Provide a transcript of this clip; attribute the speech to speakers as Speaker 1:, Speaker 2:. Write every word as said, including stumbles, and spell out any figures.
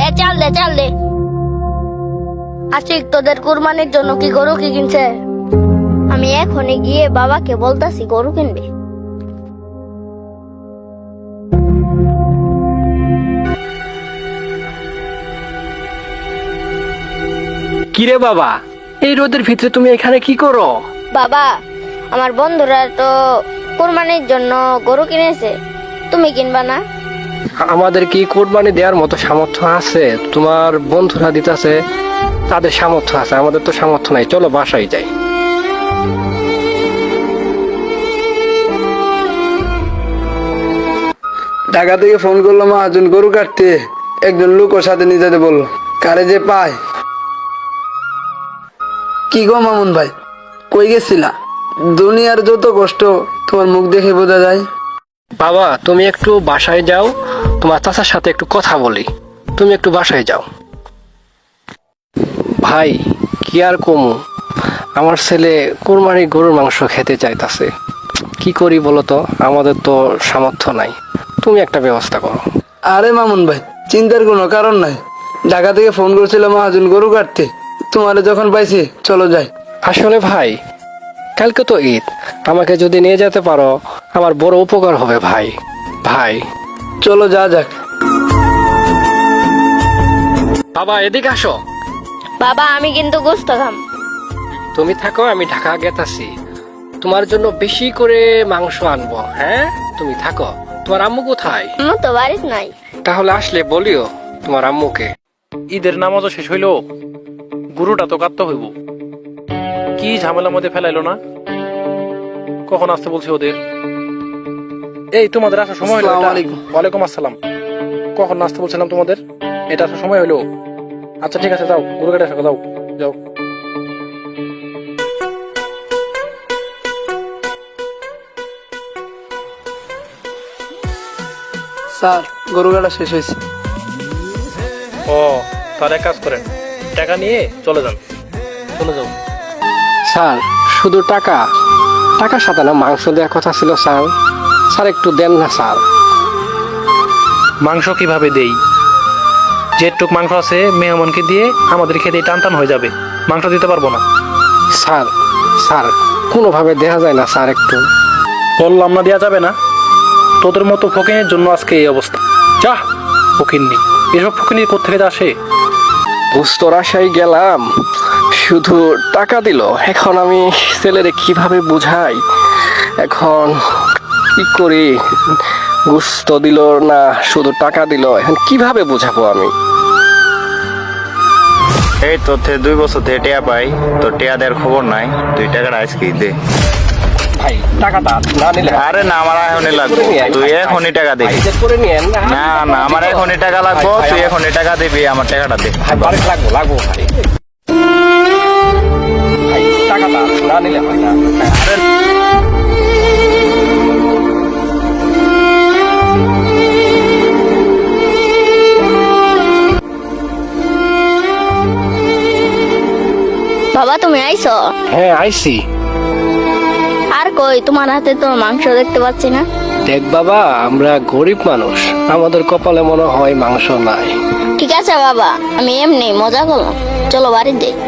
Speaker 1: এ চাল দে চাল দে। আশিক, তোদের কুরবানির জন্য কি গরু কি কিনছে? আমি এখনই গিয়ে বাবাকে বলতাছি গরু কিনবে।
Speaker 2: কিরে বাবা, এই রোদের ভিতরে তুমি এখানে কি করো?
Speaker 1: বাবা, আমার বন্ধুরা তো কুরবানির জন্য গরু কিনেছে, তুমি কিনবা না?
Speaker 2: আমাদের কি কোরবানি দেওয়ার মতো সামর্থ্য আছে? তোমার বন্ধুরা দিতেছে, তাদের সামর্থ্য আছে, আমাদের তো সামর্থ্য নাই। চলো বাসায় যাই।
Speaker 3: ঢাকা থেকে ফোন করলো মহাজন গরু কাটতে, একজন লোক ওর সাথে নিয়ে যেতে বললো। কারে যে পায়। কি গো মামুন ভাই, কই গেছিলা? দুনিয়ার যত কষ্ট তোমার মুখ দেখে বোঝা যায়।
Speaker 2: বাবা, তুমি একটু বাসায় যাও, তোমার চাচার সাথে একটু কথা বলি। তুমি একটু বাসায় যাও। ভাই, কি আর কমু, আমার ছেলে কোরবানি গরুর মাংস খেতে চাইতাছে। কি করি বলো তো, আমাদের তো সামর্থ্য নাই। তুমি একটা ব্যবস্থা করো।
Speaker 3: আরে মামুন ভাই, চিন্তার কোনো কারণ নাই। ঢাকা থেকে ফোন করছিল মহাজন গরু কাটতে, তোমারে যখন পাইছি চলো যাই।
Speaker 2: আসলে ভাই, কালকে তো ঈদ, আমাকে যদি নিয়ে যেতে পারো আমার বড় উপকার হবে ভাই। ভাই
Speaker 3: চলো যা যাক।
Speaker 2: বাবা, এদিকে আসো।
Speaker 1: বাবা, আমি কিন্তু গোস্ত খাম।
Speaker 2: তুমি থাকো, আমি ঢাকা গেতাছি, তোমার জন্য বেশি করে মাংস আনবো। হ্যাঁ, তুমি থাকো। তোমার আম্মু কোথায়?
Speaker 1: আম্মু তো বাড়িতে নাই।
Speaker 2: তাহলে আসলে বলিও তোমার আম্মুকে।
Speaker 4: ঈদের নামাজও শেষ হইলো, গুরুটা তো কাটতে হইব। কি ঝামেলার মধ্যে ফেলাইলো না? কখন আসতে বলছে ওদের? এই তোমাদের আসার সময় হলো?
Speaker 3: আসসালামু
Speaker 4: এটা?
Speaker 3: আলাইকুম।
Speaker 4: ওয়ালাইকুম আসসালাম। কখন আসতে বলছিলাম তোমাদের? এটা আসার সময় হলো। আচ্ছা ঠিক আছে, যাও গরু কেটে আসো, যাও যাও।
Speaker 3: স্যার, গরু কাটা শেষ হয়েছে।
Speaker 4: ও, তার এক কাজ করেন, টাকা নিয়ে চলে যান। চলে যাও।
Speaker 2: স্যার, শুধু টাকা? টাকার সাথে না মাংস দেওয়ার কথা ছিল স্যার। স্যার একটু দেন না স্যার।
Speaker 4: মাংস কিভাবে দেই? যেটুক মাংস আছে মেহমানকে দিয়ে আমাদের খেতে টান টান হয়ে যাবে, মাংস দিতে পারবো না।
Speaker 2: স্যার, স্যার কোনোভাবে দেখা যায় না স্যার? একটু
Speaker 4: বললাম না দেওয়া যাবে না? তোদের মতো ফকিনের জন্য আজকে এই অবস্থা। যা ফকিন্নি, এসব ফকিনি কোথেকে আসে?
Speaker 2: বুঝতোর আশায় গেলাম, শুধু টাকা দিল। এখন আমি ছেলেরে কিভাবে বুঝাই? এখন কি করি? গুস্ত দিল না, শুধু টাকা দিল। এখন কিভাবে বুঝাবো আমি?
Speaker 5: এই তোর থেকে দুই বছর থেকে টেয়া পাই, তোর টেয়া দেওয়ার খবর নাই। তুই টাকাটা আজকে দে।
Speaker 2: ভাই, টাকাটা না নিলে
Speaker 5: আরে না, আমার এখনই লাগবে। তুই এখনই টাকা দিবি।
Speaker 2: করে নিয়েন
Speaker 5: না না, আমার এখনই টাকা লাগবো। তুই এখনই টাকা দিবি, আমার টাকাটা দে।
Speaker 2: বাড়ি লাগবো লাগবো ভাই। ভাই, টাকাটা না নিলে হয় না।
Speaker 5: আরে
Speaker 1: বাবা, তুমি আইছো?
Speaker 2: হ্যাঁ, আইসি।
Speaker 1: আর কই, তোমার হাতে তো মাংস দেখতে পাচ্ছি না।
Speaker 2: দেখ বাবা, আমরা গরিব মানুষ, আমাদের কপালে মনে হয় মাংস নাই।
Speaker 1: ঠিক আছে বাবা, আমি এমনি মজা করলাম, চলো বাড়ি যাই।